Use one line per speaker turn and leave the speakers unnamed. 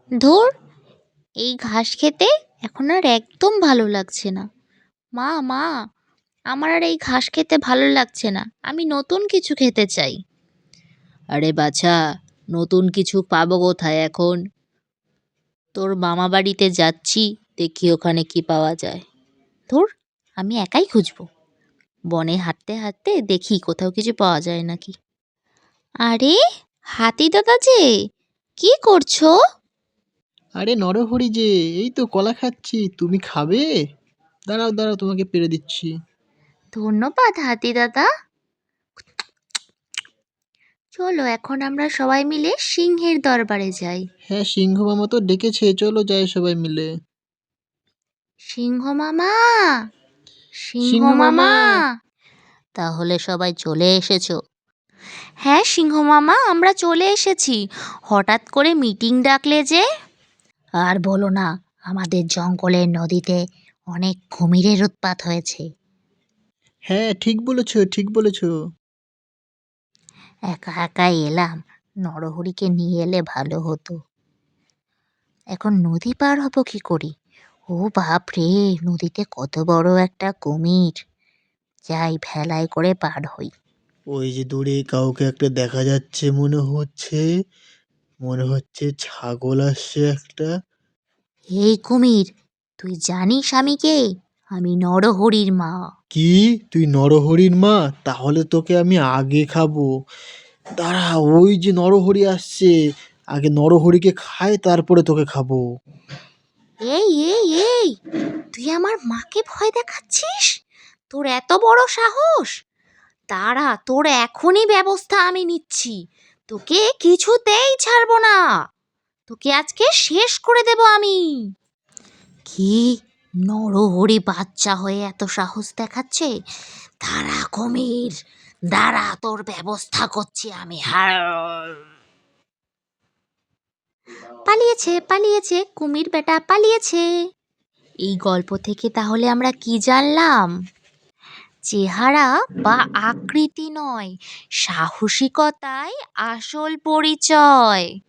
ধুর, এই ঘাস খেতে এখন আর একদম ভালো লাগছে না। মা মা, আমার আর এই ঘাস খেতে ভালো লাগছে না, আমি নতুন কিছু খেতে চাই।
আরে বাছা, নতুন কিছু পাবো কোথায় এখন? তোর মামা বাড়িতে যাচ্ছি, দেখি ওখানে কি পাওয়া যায়।
ধুর, আমি একাই খুঁজবো। বনে হাঁটতে হাঁটতে দেখি কোথাও কিছু পাওয়া যায় নাকি। আরে, হাতি দাদা যে, কি করছো?
আরে নরহরি যে, এই তো কলা খাচ্ছি। তুমি খাবে? দাঁড়াও দাঁড়াও, তোমাকে পেড়ে দিচ্ছি।
ধন্যবাদ হাতি দাদা। চলো এখন আমরা সবাই মিলে সিংহের দরবারে যাই।
হ্যাঁ, সিংহ মামা তো ডেকেছে, চলো যাই সবাই মিলে।
সিংহ মামা, সিংহ
সিংহ মামা!
মামা।
তাহলে সবাই চলে এসেছো?
হ্যাঁ সিংহ মামা, আমরা চলে এসেছি। হঠাৎ করে মিটিং ডাকলে যে?
আর বলো না, আমাদের জঙ্গলের নদীতে অনেক কুমিরের উৎপাত হয়েছে।
হ্যাঁ, ঠিক বলেছো, ঠিক বলেছো।
একা একাই এলাম, নরহরিকে নিয়ে এলে ভালো হতো। এখন নদী পার হব কি করে? ও বাপ রে, নদীতে কত বড় একটা কুমির! যাই, ভেলায় করে পার হই।
ওই যে দূরে কাউকে একটা দেখা যাচ্ছে মনে হচ্ছে। মনে হচ্ছে ছাগল আসছে একটা।
এই কুমির, তুই জানিস আমি কে? আমি নরহরির মা।
কি? তুই নরহরির মা? তাহলে তোকে আমি আগে খাবো। দাঁড়া, ওই যে নরহরি আসছে। আগে নরহরিকে খাই, তারপরে তোকে খাবো।
এই এই এই, তুই আমার মাকে ভয় দেখাচ্ছিস? তোর এত বড় সাহস! দাঁড়া, তোর এখনই ব্যবস্থা আমি নিচ্ছি। তোকে কিছুতেই ছাড়বো না। তোকে আজকে শেষ করে দেব আমি।
কি? নরহরি বাচ্চা হয়ে এত সাহস দেখাচ্ছে? দাঁড়া কুমির, দাঁড়া, তোর ব্যবস্থা করছি আমি।
পালিয়েছে পালিয়েছে, কুমির বেটা পালিয়েছে। এই গল্প থেকে তাহলে আমরা কি জানলাম? চেহারা বা আকৃতি নয়, সাহসিকতাই আসল পরিচয়।